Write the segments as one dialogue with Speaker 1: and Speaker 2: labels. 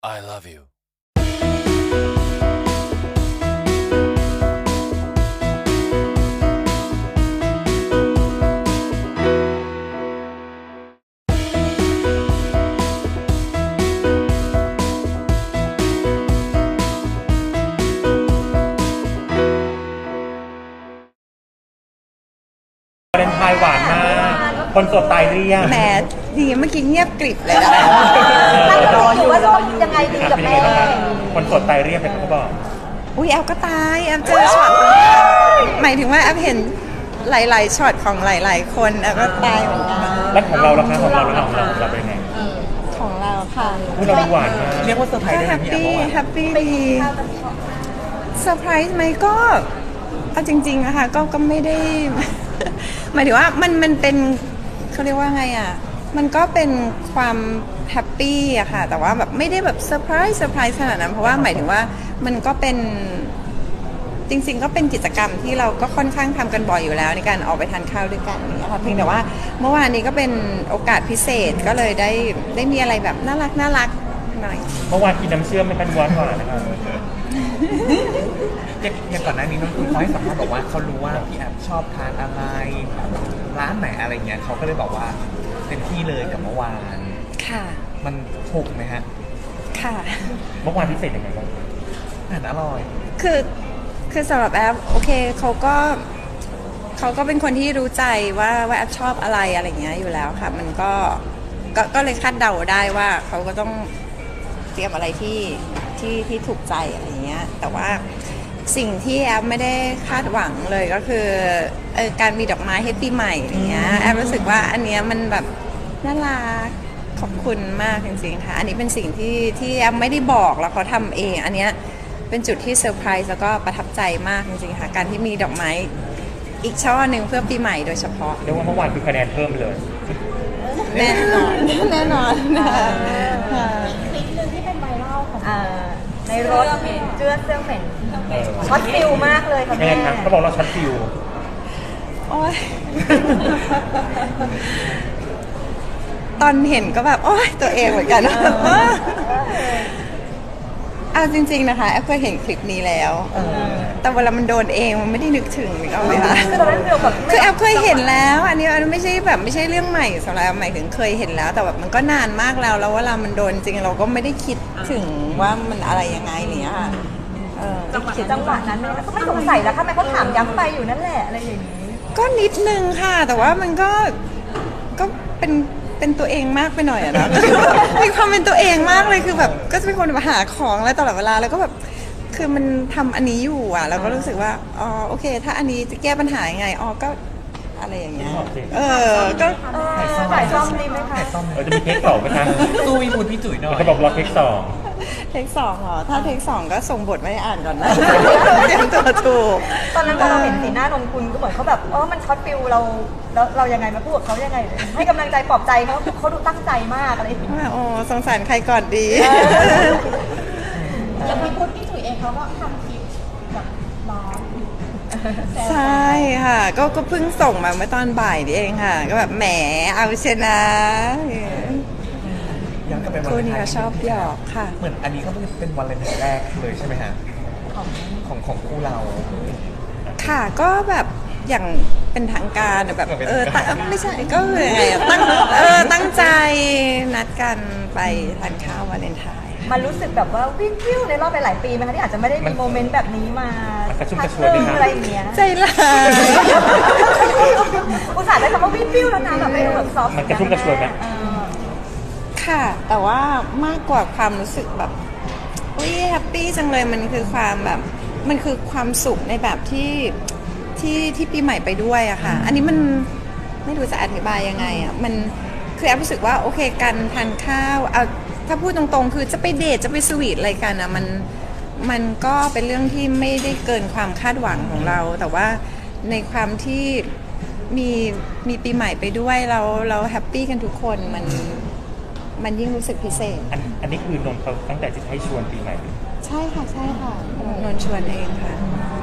Speaker 1: I love you
Speaker 2: วาเลนไทน์หวานมากคนโสดตายเรียก
Speaker 3: แหมดีเมื่อกี้เงียบกริบเลยนะ
Speaker 4: รออยู่ยังไงดีกับ
Speaker 2: เป็นยัง
Speaker 4: แม่
Speaker 2: ไงบ้างครับคนโสดตายเรียกเป็นเขาบอก
Speaker 3: อุ้ยแอฟก็ตายแอฟเจอช็อตหมายถึงว่าแอฟเห็นหลายๆช็อตของหลายๆคนแอฟก็ตายเหมือนกัน
Speaker 2: แล้วของเราล่ะคะของเราเป็นยังไง
Speaker 3: ของเราค่ะ
Speaker 2: พูดเราดูหวานมาก
Speaker 5: เรียกว่าเซอร์ไพรส์ได้
Speaker 3: แฮ
Speaker 5: ไหม
Speaker 3: ป
Speaker 5: พี่แอ
Speaker 3: ปี้
Speaker 5: ฟ
Speaker 3: แฮปปี้ดีเซอร์ไพรส์ไหมก็เอาจริงๆนะคะก็ไม่ได้ หมายถึงว่ามันเป็นเขาเรียกว่าไงอ่ะมันก็เป็นความแฮปปี้อะค่ะแต่ว่าแบบไม่ได้แบบเซอร์ไพรส์ขนาดนั้นเพราะว่าหมายถึงว่ามันก็เป็นจริงๆก็เป็นกิจกรรมที่เราก็ค่อนข้างทำกันบ่อยอยู่แล้วในการออกไปทานข้าวด้วยกันนี่ค่ะเพียงแต่ว่าเมื่อวานนี้ก็เป็นโอกาสพิเศษก็เลยได้มีอะไรแบบน่ารักหน่อย
Speaker 2: เมื่อวานกินน้ำเชื่อมไม่ทันหวานนะครับ
Speaker 5: อย่างก่อนหน้านี้น้องคุณเขาให้สัมภาษณ์บอกว่าเขารู้ว่าพี่แอฟชอบทานอะไรร้านไหนอะไรเงี้ยเขาก็เลยบอกว่าเต็มที่เลยกับเมื่อวาน
Speaker 3: ค่ะ
Speaker 5: มันถูกไหมฮะ
Speaker 3: ค่ะ
Speaker 2: เมื่อวานพิเศษยังไงบ้าง
Speaker 5: อาหารอร่อย
Speaker 3: คือสำหรับแอปโอเคเขาก็เป็นคนที่รู้ใจว่าแอปชอบอะไรอย่างเงี้ยอยู่แล้วค่ะมันก็เลยคาดเดาได้ว่าเขาก็ต้องเตรียมอะไรที่ถูกใจอะไรเงี้ยแต่ว่าสิ่งที่แอปไม่ได้คาดหวังเลยก็คือการมีดอกไม้ให้ปีใหม่อย่างเงี้ยแอปรู้สึกว่าอันเนี้ยมันแบบน่ารักขอบคุณมากจริงๆค่ะอันนี้เป็นสิ่งที่แอปไม่ได้บอกแล้วเขาทำเองอันเนี้ยเป็นจุดที่เซอร์ไพรส์แล้วก็ประทับใจมากจริงๆค่ะการที่มีดอกไม้อีกช่อหนึ่งเพื่อปีใหม่โดยเฉพาะ
Speaker 2: เรียกว่าเมื่อวานคือคะแนนเพิ่มเลย
Speaker 3: แน่นอนแน่นอนค่ะ
Speaker 4: คลิปหนึ่งที่เป็นไวรัลของในรถเสื้อเหม็นช็อตฟิลมากเลยค่ะ
Speaker 2: ยัง
Speaker 4: แม่
Speaker 2: ไงครับเขาบอกเราช็อตฟิว
Speaker 3: โอ๊ยตอนเห็นก็แบบโอ๊ยตัวเองเหมือนกันเอาจริงๆนะคะแอฟเคยเห็นคลิปนี้แล้วแต่เวลามันโดนเองมันไม่ได้นึกถึงนึกเอาไหมคะ
Speaker 4: คือตอนนั้นฟิลแบบ
Speaker 3: คือแอฟเคยเห็นแล้วอันนี้ไม่ใช่แบบไม่ใช่เรื่องใหม่สำหรับแอฟหมายถึงเคยเห็นแล้ว แต่แบบมันก็นานมากแล้วเวลามันโดนจริงเราก็ไม่ได้คิดถึงว่ามันอะไรยังไงอะไรอย่างเงี้ยค่ะ
Speaker 4: จังหวะนั้นก็ไม่สงสัยแล้วค่ะแม่เขาถามย้ำไปอยู่นั่นแหละอะไรอย่างนี้
Speaker 3: ก็นิดนึงค่ะ แต่ว่ามันก็เป็นตัวเองมากไปหน่อยอะนะ มีความเป็นตัวเองมากเลยคือแบบก็จะเป็นคนมาหาของอะไรตลอดเวลาแล้วก็แบบคือมันทำอันนี้อยู่อ่ะเราก็รู้สึกว่าอ๋อโอเค ถ้าอันนี้จะแก้ปัญหายังไงอ๋อก็อะไรอย่างเงี้ยก็
Speaker 4: ถ่ายซ่อมดีไหมคะ
Speaker 2: เราจะมีเทคสองไหมคะ
Speaker 5: ตู้วิมูลพี่จุ๋ยหน่อย
Speaker 2: เขาบอกรอเทคสอง
Speaker 3: เทคสองเหรอถ้าเทคสองก็ส่งบทไม่อ่านก่อนนะ เตรียมตัวถูก
Speaker 4: ตอนนั้นพอเราเห็นสีหน้านนคุณก็เหมือนเขาแบบมันช็อตฟิลเรายังไงมาพูดกับเขายังไงให้กำลังใจปลอบใจเขาดูตั้งใจมากอะไรอย่างนี้
Speaker 3: ว่าโอ้สงสารใครก่อนดี
Speaker 4: แล้วพี่พุทธพี่จุ๋ยเองเขาก็ทำคลิปแบบร้อง
Speaker 3: ใช่ค่ะก็เพิ่งส่งมาเมื่อตอนบ่ายนี่เองค่ะ ก็แบบแหมเอาชนะ
Speaker 5: ย้อนกลับไปวัน
Speaker 3: คู่
Speaker 5: เลน
Speaker 3: นี้
Speaker 5: ไท
Speaker 3: ก็
Speaker 5: น์
Speaker 3: ชอบหยอกค่ะ
Speaker 5: เหมือนอันนี้ก็เป็นวันเลนไทน์แรกเลยใช่ไหมฮะของคู่เรา
Speaker 3: ค่ะก็แบบอย่างเป็นทางการอะแบบไม่ใช่ก็คือยังไงอะตั้งใจนัดกันไปทานข้าววาเลนไทน์
Speaker 4: มันรู้สึกแบบว่าวิ่งวิวในรอบหลายๆปีไหมคะที่อาจจะไม่ได้มีโมเมนต์แบบนี้มา
Speaker 2: มันกระชุ่มกระช
Speaker 4: พั
Speaker 2: วย
Speaker 4: ห
Speaker 2: ไหม
Speaker 4: นึ่ง
Speaker 2: ครับ
Speaker 4: อะไรอย่างเงี้ย
Speaker 3: ใจร้าย
Speaker 4: อุตส่าห์ได้คำว่าวิ่งวิวแล้วนะแบบไม่แบบซอฟต์
Speaker 2: มันกระชุ่มกระชวยไหม
Speaker 3: ค่ะ แต่ว่ามากกว่าความรู้สึกแบบอุ้ยแฮปปี้จังเลยมันคือความแบบมันคือความสุขในแบบที่ปีใหม่ไปด้วยอะค่ะ อันนี้มันไม่รู้จะอธิบายยังไงอะมันคือแอฟรู้สึกว่าโอเคการทานข้าวเอาถ้าพูดตรงๆ คือจะไปเดทจะไปสวีทอะไรกันอะมันก็เป็นเรื่องที่ไม่ได้เกินความคาดหวังของเรา แต่ว่าในความที่มีปีใหม่ไปด้วยเราแฮปปี้กันทุกคนมันยิ่งรู้สึกพิเศษ
Speaker 2: อันนี้คือนนท์เขาตั้งแต่จะให้ชวนปีใหม่
Speaker 3: ใช่ค่ะนนท์ชวนเองค่ะ
Speaker 2: แ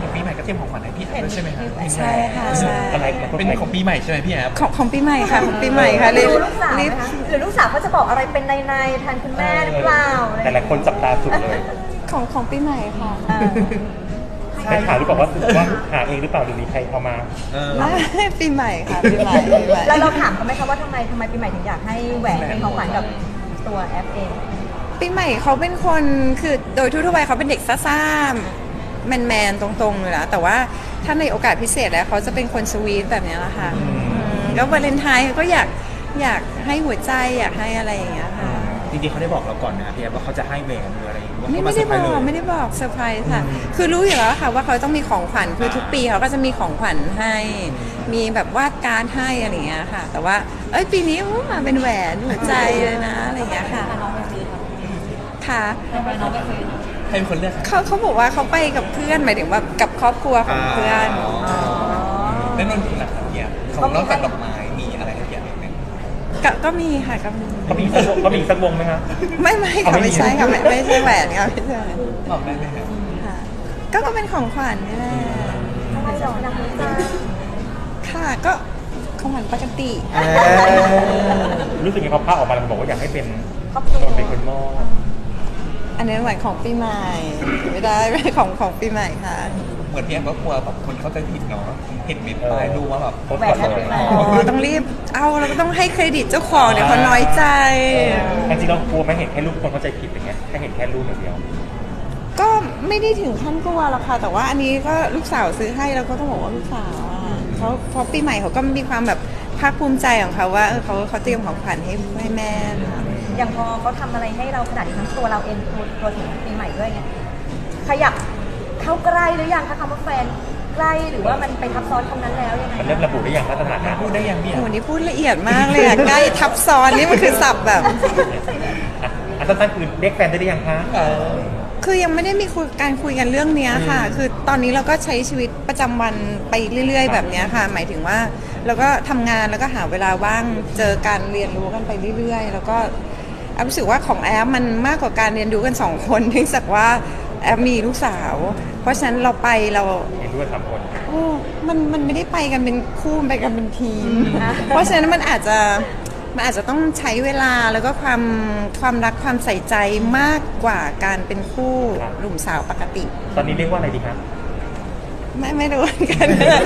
Speaker 5: ปีใหม่ก็เตรียมของขวัญให้พี่แอฟด้วยใช่ไหมคะ
Speaker 3: ใช่ค่ะใช่
Speaker 2: อะไร
Speaker 5: เป็นของปีใหม่ใช่ไหมพี่แอฟ
Speaker 3: ของปีใหม่ค่ะของปีใหม่ค่ะรีบ
Speaker 4: ลูกสาวไหม
Speaker 3: รีบ
Speaker 4: คะหรือลูกสาวเขาจะบอกอะไรเป็นในแทนคุณแม่หรือเปล่าอะไร
Speaker 2: แต่หลายคนจับตาสุดเลย
Speaker 3: ของปีใหม่ค่ะ
Speaker 4: เออ
Speaker 2: ให้ถามหรือเปล่าว่าหาเองหรือเปล่าหรือมีใครเอามา
Speaker 3: ปีใหม่ค่ะปีใหม่ปีใหม่
Speaker 4: แล้วเราถามเขาไหมคะว่าทำไมปีใหม่ถึงอยากให้แหวนเป็นของขวัญกับตัวแอปเอง
Speaker 3: ปีใหม่เขาเป็นคนคือโดยทั่วๆไปเขาเป็นเด็กซ่าๆแมนๆตรงๆเลยนะแต่ว่าถ้าในโอกาสพิเศษแล้วเขาจะเป็นคนสวีทแบบนี้แหละค่ะแล้ววาเลนไทน์เขาก็อยากให้หัวใจอยากให้อะไรอย่างเงี้ยค่ะ
Speaker 5: จริงๆเขาได้บอกเราก่อนนะพี่แอฟว่าเขาจะให้แหวนหรืออะไรหรือว่า
Speaker 3: ไม่
Speaker 5: เขา
Speaker 3: ได้
Speaker 5: เซร์พร
Speaker 3: บ
Speaker 5: ส์
Speaker 3: อก
Speaker 5: เลย
Speaker 3: ไม่ได้บอกเซอร์ไพรส์ค่ะ คือรู้อยู่แล้วค่ะว่าเขาต้องมีของขวัญคือทุกปีเขาก็จะมีของขวัญให้ มีแบบวาดการ์ดให้อะไรอย่างเงี้ยค่ะ แต่ว่าปีนี้มาเป็นแหวนหัวใจเลยนะอะไรอย่างเงี้ยค่ะค่ะ
Speaker 5: ให้เป็นคนเลือกค่ะ
Speaker 3: เขาบอกว่าเขาไปกับเพื่อนหมายถึงว่ากับครอบครัวของเพื่อน
Speaker 5: แล้วนนท์นะครับพี่แอฟของนอกจากดอกไม้มีอะไรให้พี่แอฟไหม
Speaker 3: ก็มีค่ะก็มี
Speaker 2: เขามีสักวงไหมคะ
Speaker 3: ไม่ค่ะ
Speaker 2: ไม่
Speaker 3: ไม่
Speaker 2: มี
Speaker 3: ใช่ค่ะไม่ใช่แหวนค่ะไม่ใช่
Speaker 5: บอกได้ไหมครับ
Speaker 3: ค่ะก็เป็นของขวัญนี่แหละ
Speaker 4: ทำไมหรอนักวิจารณ์
Speaker 3: ค่ะก็ของขวัญปกติ
Speaker 2: รู้สึกยังไงพอภาพออกมาแล้วบอกว่าอยากให้เป็น
Speaker 4: ครอบครัว
Speaker 2: นนท์เป็นคนมอบ
Speaker 3: อันนี้แหวนของปีใหม่ไม่ได้ไม่ของปีใหม่ค่ะ
Speaker 5: เหมือนพี่แอฟก็กลัวแบบคนเข้าใจผิดเนาะเห็นเม็ดปลายดูว่าแบบ
Speaker 4: แหวนแอปเป็นแหวน
Speaker 3: อ๋อต้องรีบเอาเราก็ต้องให้เครดิตเจ้าของเดี๋ยวเขาน้อยใจ
Speaker 2: จริงๆเรากลัวไหม่เห็นแค่รูปคนเข้าใจผิดอย่างเงี้ยแค่เห็นแค่รูปอย่างเดียว
Speaker 3: ก็ไม่ได้ถึงขั้นกลัวหรอกค่ะ แต่ว่าอันนี้ก็ลูกสาวซื้อให้เราก็ต้องบอกว่าลูกสาวอ่ะเขาปีใหม่เขาก็มีความแบบภาคภูมิใจของเขาว่าเขาเตรียมของขวัญให้แม่ค่ะ
Speaker 4: อย่างพอเขาทำอะไรให้เราขนาดนี้ทั้งตัวเราเองตัวถึงปีใหม่ด้วยไงขยับเข้าใกล้หรือยังคะคำว่าแฟนใกล้หรือว่ามันไปทับซ้อนตรงนั้นแล้วยังไง
Speaker 2: มันเริ่มระบุได้อย่างสถานะ
Speaker 5: พูดได้ยังพี่แอ
Speaker 3: โอ้
Speaker 5: ฟ
Speaker 3: โหนี่พูดละเอียดมากเลยอ่ะ ใกล้ทับซ้อนนี่มันคือศัพท์แบบ
Speaker 2: อันสั้นๆคือเรียกแฟนได้หรือยังคะ
Speaker 3: คือยังไม่ได้มีการคุยกันเรื่องเนี้ยค่ะ คือตอนนี้เราก็ใช้ชีวิตประจำวันไปเรื่อยๆ แบบเนี้ยค่ะ หมายถึงว่าเราก็ทำงานแล้วก็หาเวลาว่างเจอการเรียนรู้กันไปเรื่อยๆ แล้วก็แอฟรู้สึกว่าของแอฟมันมากกว่าการเรียนรู้กันสองคนเนื่องจากว่าแอฟมีลูกสาว เพราะฉะนั้นเราไปเรา
Speaker 2: เห็นด้วย3 คน
Speaker 3: โอ้มันไม่ได้ไปกันเป็นคู่มันไปกันเป็นทีม เพราะฉะนั้นมันอาจจะต้องใช้เวลาแล้วก็ความรักความใส่ใจมากกว่าการเป็นคู่หนุ่มสาวปกติ
Speaker 2: ตอนนี้เรียกว่าอะไรดีคะ
Speaker 3: ไม่รู้เหมือนกัน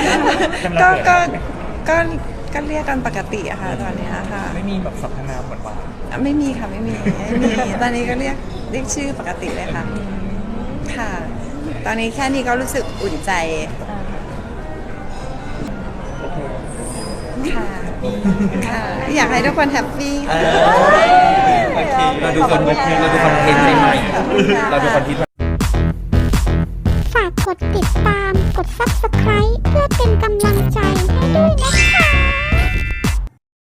Speaker 3: ก็เรียกกันปกติอะค่ะตอนเนี้ยค่ะ
Speaker 5: ไม่มีแบบสรรพนามหวาน
Speaker 3: ไม่มีค่ะไม่มีตอนนี้ก็เรียกชื่อปกติเลยค่ะค่ะ ตอนนี้แค่นี้ก็รู้สึกอุ่นใจค่ะค่ะ อยากให้ทุกคนแฮปปี้
Speaker 5: ๆโอเคเราดูคอนเทนต์ใหม่ๆเราดูคอนเทนต์
Speaker 1: ฝากกดติดตาม กด Subscribe เพื่อเป็นกำลังใจ